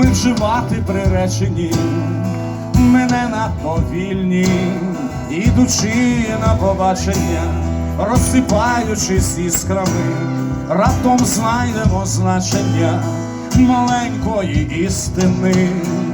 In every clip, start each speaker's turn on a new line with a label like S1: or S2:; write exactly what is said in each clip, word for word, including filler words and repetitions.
S1: ми вживати приречені, ми не надто вільні, ідучи на побачення, розсипаючись іскрами, раптом знайдемо значення маленької істини.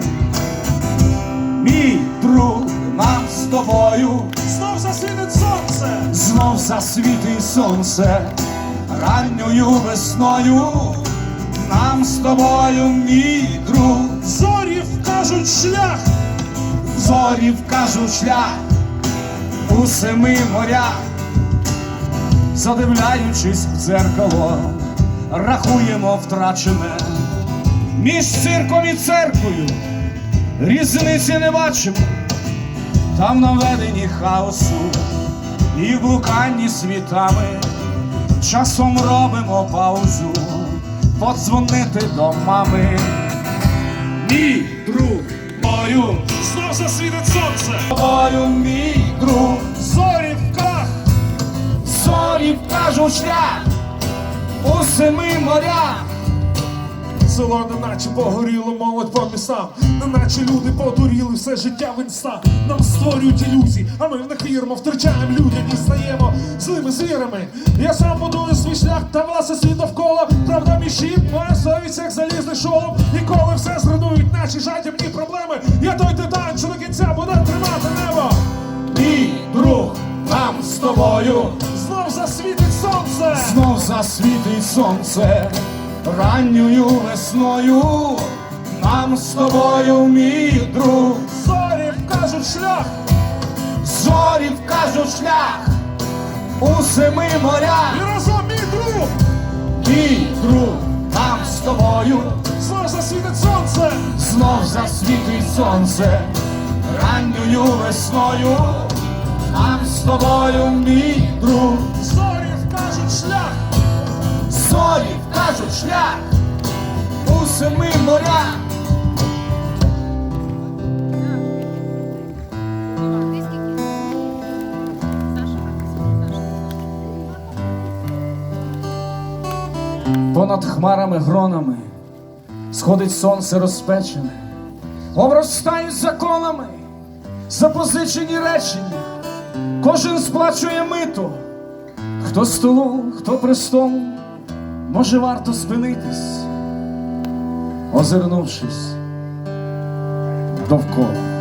S1: Мій друг, нам з тобою
S2: знов засвітить сонце,
S1: знов засвітить сонце, ранньою весною. Нам з тобою, мій друг,
S2: зорі вкажуть шлях,
S1: зорі вкажуть шлях у семи морях. Задивляючись в дзеркало, рахуємо втрачене. Між цирком і церквою різниці не бачимо. Там наведені хаосу і блуканні світами. Часом робимо паузу, подзвонити до мами. Мій друг, мою,
S2: знов засвітить сонце,
S1: тобою, мій друг,
S2: зорі в крах,
S1: зорі вкажуть шлях у семи морях.
S2: село неначе погоріло, молодь по містам, неначе люди подуріли, все життя в інста. Нам створюють ілюзії, а ми в них віримо, втрачаємо людяність, стаємо злими звірами. Я сам будую свій шлях, та власне світ довкола. Правда мій щит, моя совість, як залізний шолом. І коли все зруйнують наші жадібні проблеми, я той титан, що до кінця буде тримати небо.
S1: Мій друг, нам з тобою
S2: Знов засвітить сонце,
S1: знов засвітить сонце, ранньою весною. Нам з тобою, мій друг,
S2: зорі вкажуть шлях,
S1: зорі вкажуть шлях у семи морях.
S2: і разом мій друг,
S1: Мій друг, нам з тобою
S2: знов засвітить сонце,
S1: знов засвітить сонце, ранньою весною. Нам з тобою, мій друг,
S2: зорі вкажуть шлях,
S1: зорі вкажуть шлях у семи морях. Понад хмарами гронами сходить сонце розпечене, обростають законами запозичені речення. Кожен сплачує мито, хто столу, хто престолу. Може, варто спинитись, озирнувшись довкола.